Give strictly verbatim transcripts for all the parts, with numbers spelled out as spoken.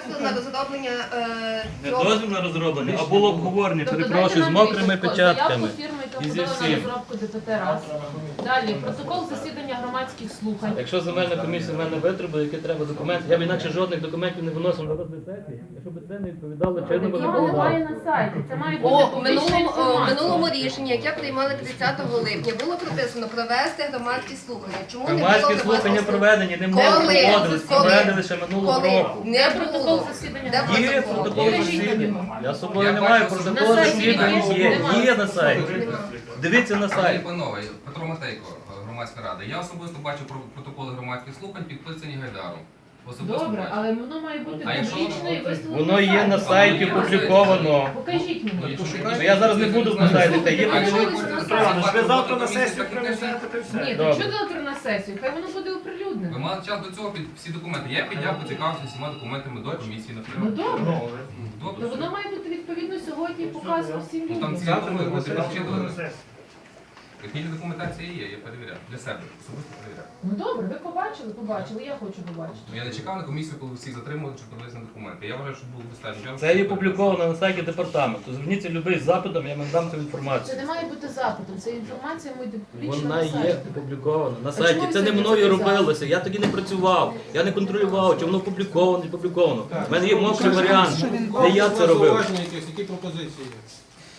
дозвіл на розроблення е, Не цього. дозвіл на розроблення, а було обговорення, Тобто перепрошую, з дайте нам мокрими відповідь. печатками. Заявку фірми, яка І зі подала на всім. розробку ДПТ раз. Далі, протокол засідання громадських слухань. Якщо земельна комісія в мене витребує, які треба документи, я б інакше жодних документів не виносив на розгляд сесії, якщо б це не відповідало чинному Його немає законодавству. на сайті, це має бути О, у публічна минулому, о, в інформація. минулому рішенні, яке приймали тридцятого липня, було прописано провести громадські слухання. Чому не було Громадські громадських слухання проведені, ним не Коли? проводились, Коли? проведені ще минулого Коли? року. Не Де протокол було. засідання Де громадських Є протокол? протокол Покажіть засідання. мені. Я з собою Я не маю бачу, що протокол на сайті засідання. є? Є, Немає. є на сайті. Дивіться на Пані сайті. панове, Петро Матейко, громадська рада. Я особисто бачу про- протоколи громадських слухань, підписані Гайдаром. Особисто Добре, бачу. але воно має бути А якщо публічне і воно- виставлено Воно є на сайті опубліковано. Покажіть Ну, мені. якщо- Ну, я зараз не буду писати, та є А якщо ви подивіться. хочете Ви запропонувати Ви завтра на комісію, сесію так і кажіть. принесете та й все. Ні, Добре. то що завтра на сесію? Хай воно буде Ви оприлюднено. мали час до цього під всі документи. Я підняв, поцікавився всіма документами до комісії, Ну наприклад. добре. Добре, То все. воно має бути відповідно сьогодні показано всім Ну, там людям. ці Завтра документи на будуть сесію розчитувані. принесете. Технічна документація є, я перевіряв. Для себе, особисто перевіряв. Ну добре, ви побачили, побачили, я хочу побачити. Ну, я не чекав на комісію, коли всіх затримали, щоб подивитися на документи. Я вважаю, що було достатньо часу. Це є опубліковано на сайті департаменту. Зверніться любий з запитом, я вам дам цю Це інформацію. не має бути запитом, це інформація має бути публічна Вона на є сайті. опублікована на А сайті. чому ви Це не сьогодні мною це казали? робилося. Я тоді не працював. Я не контролював, чи воно опубліковано, не опубліковано. У мене є мокрий варіант, де я це робив. Зауваження якісь, які пропозиції є?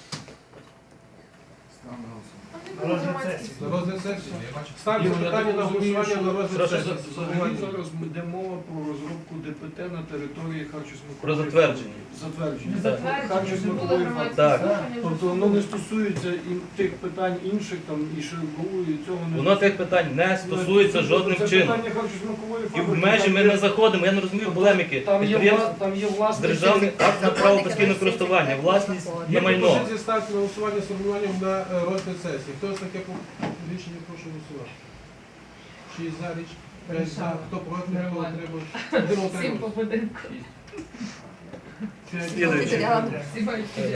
Там не було громадських На розгляд сесії? Я бачу. Ставлю питання на голосування на розгляд Прошу, сесії. Взагалі зараз йде мова про розробку ДПТ на території Харчо-Смакової. Про затвердження. Затвердження. Затвердження, не були Харчо-Смакової громадські Так. слухання. вже Тобто воно не стосується і тих питань інших там і ШГУ, і цього не Воно тих питань не стосується жодним Це чином. питання Харчо-Смакової І в фабрики, межі там ми є- не заходимо. Я не розумію полеміки. Там є, Підприємство вла- там є власне державний акт на право постійного користування, власність на Є майно. пропозиція ставити на голосування з формуванням на е, розгляд сесії. Хто за таке по- рішення, прошу голосувати. Шість за річ, п'ять за, хто проти, хто Нормально. утримав. Один Всім утримав. по будинку. П'ять за. Слідуючий. Матеріал. Всі мають